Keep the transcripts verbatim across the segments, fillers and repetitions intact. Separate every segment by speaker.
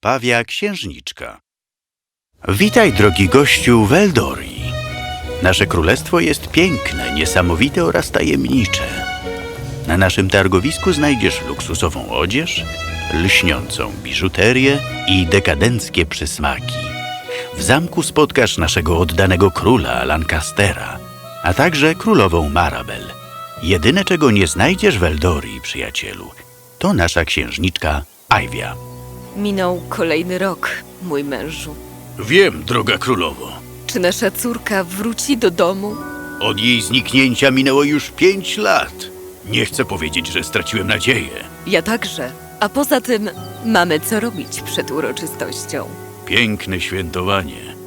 Speaker 1: Pawia księżniczka. Witaj, drogi gościu, w Eldorii. Nasze królestwo jest piękne, niesamowite oraz tajemnicze. Na naszym targowisku znajdziesz luksusową odzież, lśniącą biżuterię i dekadenckie przysmaki. W zamku spotkasz naszego oddanego króla Lancastera, a także królową Marabel. Jedyne, czego nie znajdziesz w Eldorii, przyjacielu, to nasza księżniczka Aivia.
Speaker 2: Minął kolejny rok, mój mężu.
Speaker 1: Wiem, droga królowo.
Speaker 2: Czy nasza córka wróci do domu?
Speaker 1: Od jej zniknięcia minęło już pięć lat. Nie chcę powiedzieć, że straciłem nadzieję.
Speaker 2: Ja także. A poza tym mamy co robić przed uroczystością.
Speaker 1: Piękne świętowanie.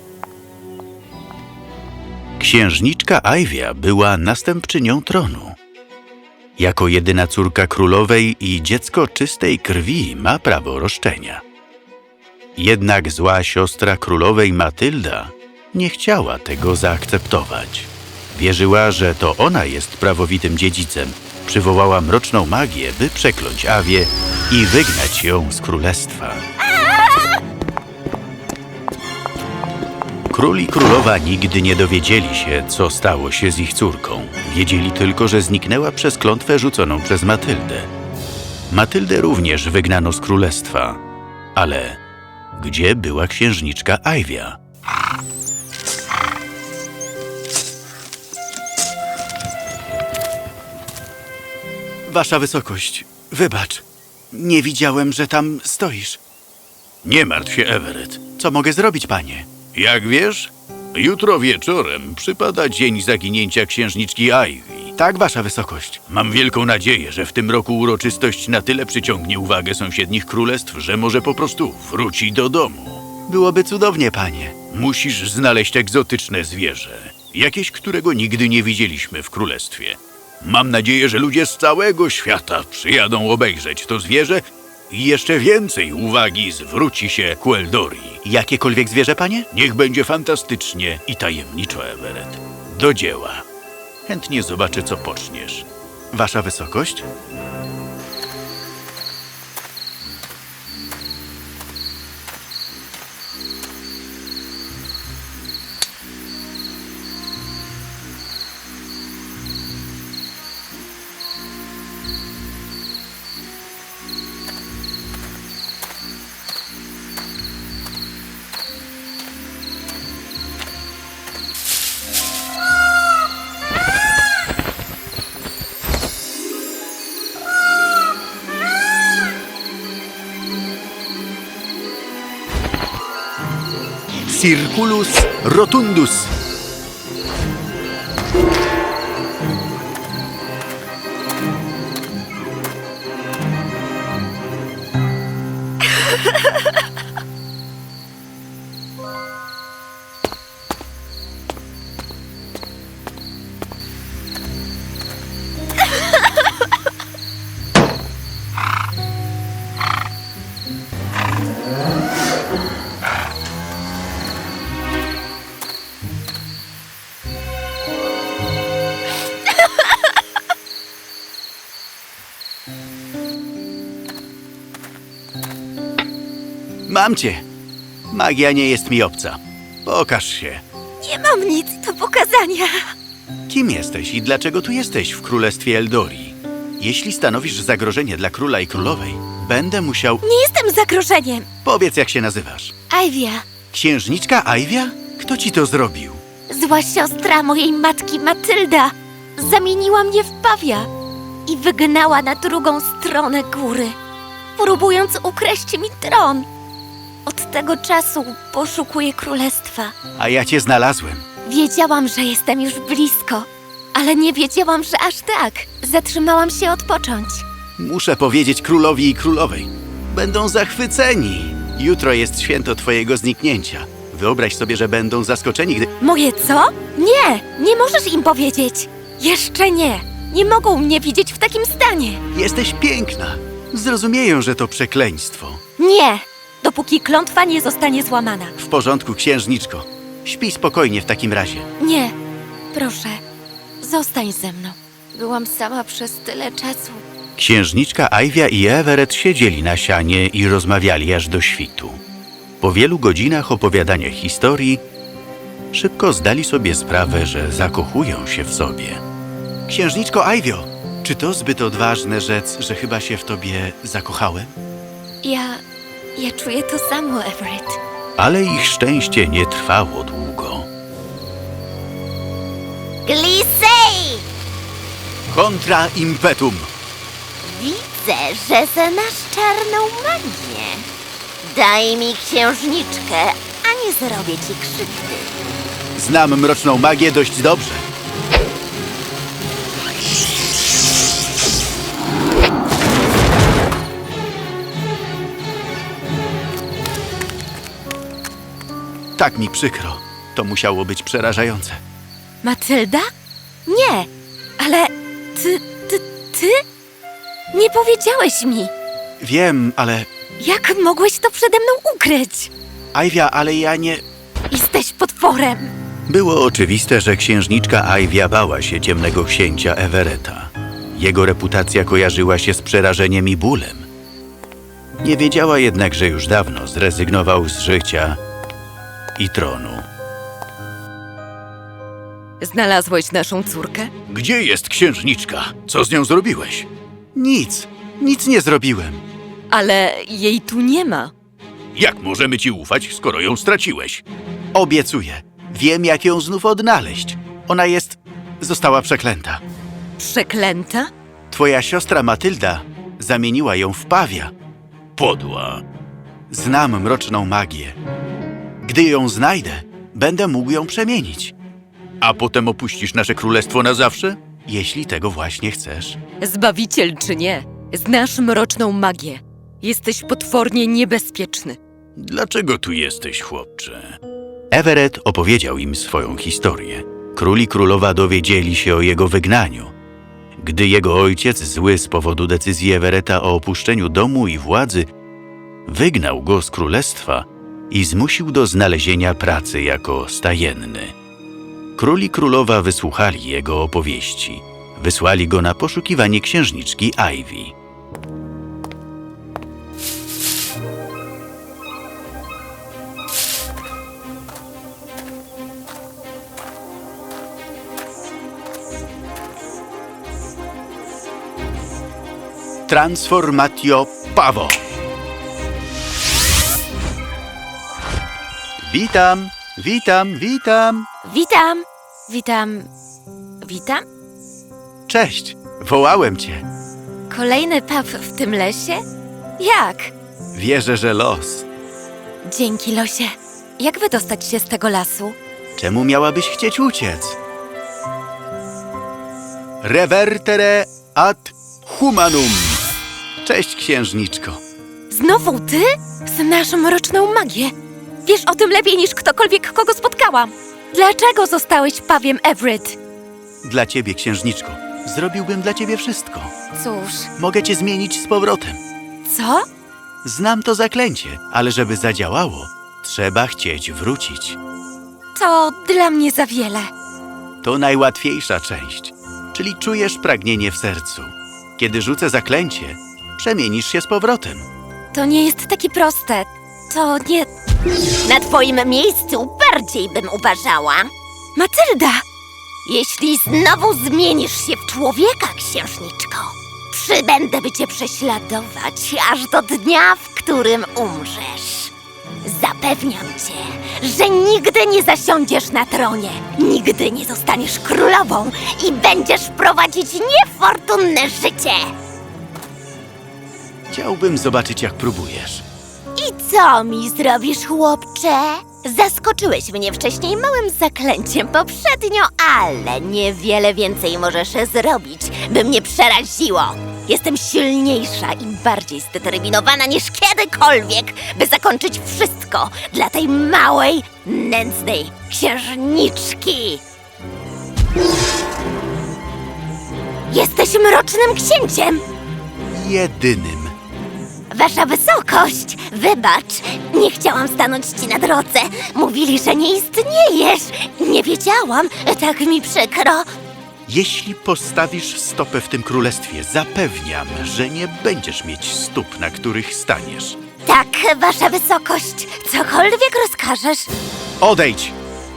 Speaker 1: Księżniczka Aivia była następczynią tronu. Jako jedyna córka królowej i dziecko czystej krwi ma prawo roszczenia. Jednak zła siostra królowej Matylda nie chciała tego zaakceptować. Wierzyła, że to ona jest prawowitym dziedzicem. Przywołała mroczną magię, by przekląć Avię i wygnać ją z królestwa. Król i królowa nigdy nie dowiedzieli się, co stało się z ich córką. Wiedzieli tylko, że zniknęła przez klątwę rzuconą przez Matyldę. Matyldę również wygnano z królestwa. Ale gdzie była księżniczka Aivia? Wasza wysokość, wybacz. Nie widziałem, że tam stoisz. Nie martw się, Everett. Co mogę zrobić, panie? Jak wiesz, jutro wieczorem przypada dzień zaginięcia księżniczki Aivii. Tak, wasza wysokość. Mam wielką nadzieję, że w tym roku uroczystość na tyle przyciągnie uwagę sąsiednich królestw, że może po prostu wróci do domu. Byłoby cudownie, panie. Musisz znaleźć egzotyczne zwierzę. Jakieś, którego nigdy nie widzieliśmy w królestwie. Mam nadzieję, że ludzie z całego świata przyjadą obejrzeć to zwierzę i jeszcze więcej uwagi zwróci się ku Eldorii. Jakiekolwiek zwierzę, panie? Niech będzie fantastycznie i tajemniczo, Everett. Do dzieła. Chętnie zobaczę, co poczniesz. Wasza wysokość? Circulus rotundus. Mam cię. Magia nie jest mi obca. Pokaż się.
Speaker 3: Nie mam nic do pokazania.
Speaker 1: Kim jesteś i dlaczego tu jesteś w królestwie Eldorii? Jeśli stanowisz zagrożenie dla króla i królowej, będę musiał...
Speaker 3: Nie jestem zagrożeniem.
Speaker 1: Powiedz, jak się nazywasz.
Speaker 3: Aivia,
Speaker 1: Księżniczka Aivia? Kto ci to zrobił?
Speaker 3: zła siostra mojej matki Matylda, zamieniła mnie w pawia i wygnała na drugą stronę góry, próbując ukraść mi tron. Od tego czasu poszukuję królestwa.
Speaker 1: A ja cię znalazłem.
Speaker 3: Wiedziałam, że jestem już blisko, ale nie wiedziałam, że aż tak. Zatrzymałam się odpocząć.
Speaker 1: Muszę powiedzieć królowi i królowej. Będą zachwyceni. Jutro jest święto twojego zniknięcia. Wyobraź sobie, że będą zaskoczeni, gdy...
Speaker 3: Moje co? Nie, nie możesz im powiedzieć. Jeszcze nie. Nie mogą mnie widzieć w takim stanie.
Speaker 1: Jesteś piękna. Zrozumieją, że to przekleństwo.
Speaker 3: Nie, dopóki klątwa nie zostanie złamana.
Speaker 1: W porządku, księżniczko. Śpij spokojnie w takim razie.
Speaker 3: Nie, proszę, zostań ze mną. Byłam sama przez tyle czasu
Speaker 1: Księżniczka Ajwia i Everett siedzieli na sianie i rozmawiali aż do świtu. Po wielu godzinach opowiadania historii szybko zdali sobie sprawę, że zakochują się w sobie. Księżniczko Ajwio, czy to zbyt odważne rzec, że chyba się w tobie zakochałem?
Speaker 3: Ja... ja czuję to samo, Everett.
Speaker 1: Ale ich szczęście nie trwało długo.
Speaker 3: Glisej!
Speaker 1: Kontra impetum!
Speaker 3: Widzę, że znasz czarną magię. Daj mi księżniczkę, a nie zrobię ci krzywdy.
Speaker 1: Znam mroczną magię dość dobrze. Tak mi przykro. To musiało być przerażające.
Speaker 2: Matylda? Nie, ale ty, ty, ty? Nie powiedziałeś mi.
Speaker 1: Wiem, ale...
Speaker 2: Jak mogłeś to przede mną ukryć?
Speaker 1: Ajwia, ale ja nie...
Speaker 2: Jesteś potworem.
Speaker 1: Było oczywiste, że księżniczka Ajwia bała się ciemnego księcia Everetta. Jego reputacja kojarzyła się z przerażeniem i bólem. Nie wiedziała jednak, że już dawno zrezygnował z życia i tronu.
Speaker 2: Znalazłeś naszą córkę?
Speaker 1: Gdzie jest księżniczka? Co z nią zrobiłeś? Nic. Nic nie zrobiłem.
Speaker 2: Ale jej tu nie ma.
Speaker 1: Jak możemy ci ufać, skoro ją straciłeś? Obiecuję. Wiem, jak ją znów odnaleźć. Ona jest... została przeklęta.
Speaker 2: Przeklęta?
Speaker 1: Twoja siostra Matylda zamieniła ją w pawia. Podła. Znam mroczną magię. Gdy ją znajdę, będę mógł ją przemienić. A potem opuścisz nasze królestwo na zawsze? Jeśli tego właśnie chcesz.
Speaker 2: Zbawiciel czy nie, znasz mroczną magię. Jesteś potwornie niebezpieczny.
Speaker 1: Dlaczego tu jesteś, chłopcze? Everett opowiedział im swoją historię. Król i królowa dowiedzieli się o jego wygnaniu. Gdy jego ojciec, zły z powodu decyzji Everetta o opuszczeniu domu i władzy, wygnał go z królestwa i zmusił do znalezienia pracy jako stajenny. Król i królowa wysłuchali jego opowieści. Wysłali go na poszukiwanie księżniczki Ivy. Transformatio Pavo. Witam, witam, witam.
Speaker 3: Witam, witam, witam.
Speaker 1: Cześć, wołałem cię.
Speaker 3: Kolejny pub w tym lesie? Jak?
Speaker 1: Wierzę, że los.
Speaker 3: Dzięki, losie. Jak wydostać się z tego lasu?
Speaker 1: Czemu miałabyś chcieć uciec? Revertere ad humanum. Cześć, księżniczko.
Speaker 3: Znowu ty? Znasz mroczną magię. Wiesz o tym lepiej niż ktokolwiek, kogo spotkałam. Dlaczego zostałeś pawiem, Everett?
Speaker 1: Dla ciebie, księżniczko. Zrobiłbym dla ciebie wszystko.
Speaker 3: Cóż,
Speaker 1: Mogę cię zmienić z powrotem.
Speaker 3: co?
Speaker 1: Znam to zaklęcie, ale żeby zadziałało, trzeba chcieć wrócić.
Speaker 3: To dla mnie za wiele.
Speaker 1: To najłatwiejsza część, czyli czujesz pragnienie w sercu. Kiedy rzucę zaklęcie, przemienisz się z powrotem.
Speaker 3: To nie jest takie proste. To nie... Na twoim miejscu bardziej bym uważała. Matylda! Jeśli znowu zmienisz się w człowieka, księżniczko, przybędę by cię prześladować aż do dnia, w którym umrzesz. Zapewniam cię, że nigdy nie zasiądziesz na tronie, nigdy nie zostaniesz królową i będziesz prowadzić niefortunne życie.
Speaker 1: Chciałbym zobaczyć, jak próbujesz.
Speaker 3: I co mi zrobisz, chłopcze? Zaskoczyłeś mnie wcześniej małym zaklęciem poprzednio, ale niewiele więcej możesz zrobić, by mnie przeraziło. Jestem silniejsza i bardziej zdeterminowana niż kiedykolwiek, by zakończyć wszystko dla tej małej, nędznej księżniczki. Jesteś mrocznym księciem!
Speaker 1: Jedynym.
Speaker 3: Wasza wysokość, wybacz, nie chciałam stanąć ci na drodze. Mówili, że nie istniejesz. Nie wiedziałam, tak mi przykro.
Speaker 1: Jeśli postawisz stopę w tym królestwie, zapewniam, że nie będziesz mieć stóp, na których staniesz.
Speaker 3: Tak, wasza wysokość, cokolwiek rozkażesz.
Speaker 1: Odejdź!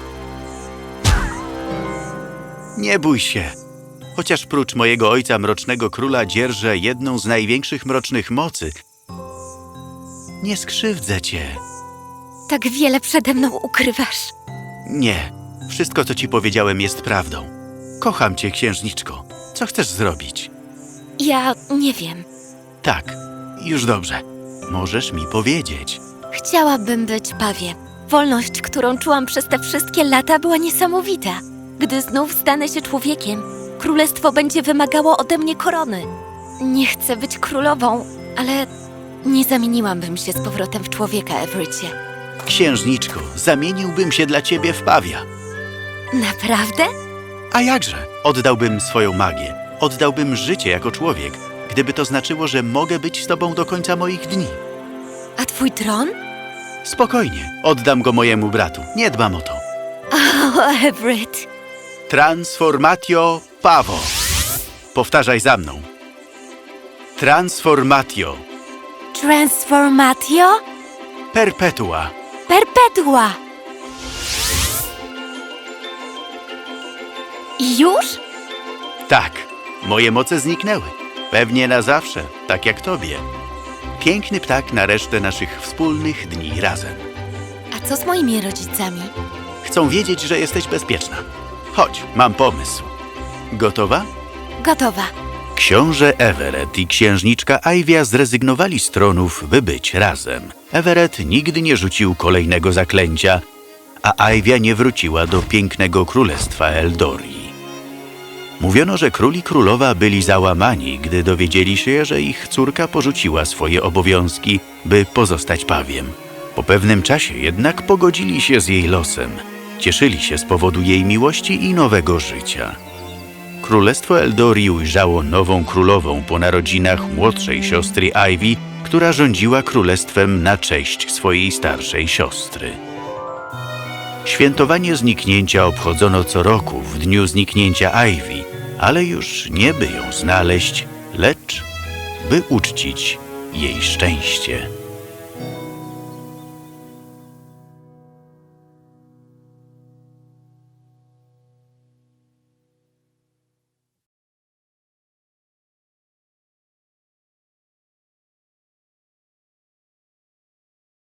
Speaker 1: Nie bój się. Chociaż prócz mojego ojca, Mrocznego Króla, dzierżę jedną z największych mrocznych mocy, nie skrzywdzę cię.
Speaker 3: Tak wiele przede mną ukrywasz.
Speaker 1: Nie. Wszystko, co ci powiedziałem, jest prawdą. Kocham cię, księżniczko. Co chcesz zrobić?
Speaker 3: Ja nie wiem.
Speaker 1: Tak, już dobrze. Możesz mi powiedzieć.
Speaker 3: Chciałabym być pawie. Wolność, którą czułam przez te wszystkie lata, była niesamowita. Gdy znów stanę się człowiekiem, królestwo będzie wymagało ode mnie korony. Nie chcę być królową, ale nie zamieniłabym się z powrotem w człowieka, Everettie.
Speaker 1: Księżniczko, zamieniłbym się dla ciebie w pawia.
Speaker 3: Naprawdę?
Speaker 1: A jakże? Oddałbym swoją magię. Oddałbym życie jako człowiek, gdyby to znaczyło, że mogę być z tobą do końca moich dni.
Speaker 3: A twój tron?
Speaker 1: Spokojnie, oddam go mojemu bratu. Nie dbam o to.
Speaker 3: O, Everett.
Speaker 1: Transformatio Pavo. Powtarzaj za mną. Transformatio
Speaker 3: Transformatio
Speaker 1: Perpetua.
Speaker 3: Perpetua. I już?
Speaker 1: Tak, moje moce zniknęły. Pewnie na zawsze, tak jak tobie. Piękny ptak na resztę naszych wspólnych dni razem.
Speaker 3: A co z moimi rodzicami?
Speaker 1: Chcą wiedzieć, że jesteś bezpieczna. Chodź, mam pomysł. Gotowa?
Speaker 3: Gotowa.
Speaker 1: Książę Everett i księżniczka Ivia zrezygnowali z tronów, by być razem. Everett nigdy nie rzucił kolejnego zaklęcia, a Ivia nie wróciła do pięknego królestwa Eldorii. Mówiono, że król i królowa byli załamani, gdy dowiedzieli się, że ich córka porzuciła swoje obowiązki, by pozostać pawiem. Po pewnym czasie jednak pogodzili się z jej losem. Cieszyli się z powodu jej miłości i nowego życia. Królestwo Eldorii ujrzało nową królową po narodzinach młodszej siostry Ivy, która rządziła królestwem na cześć swojej starszej siostry. Świętowanie zniknięcia obchodzono co roku w dniu zniknięcia Ivy, ale już nie by ją znaleźć, lecz by uczcić jej szczęście.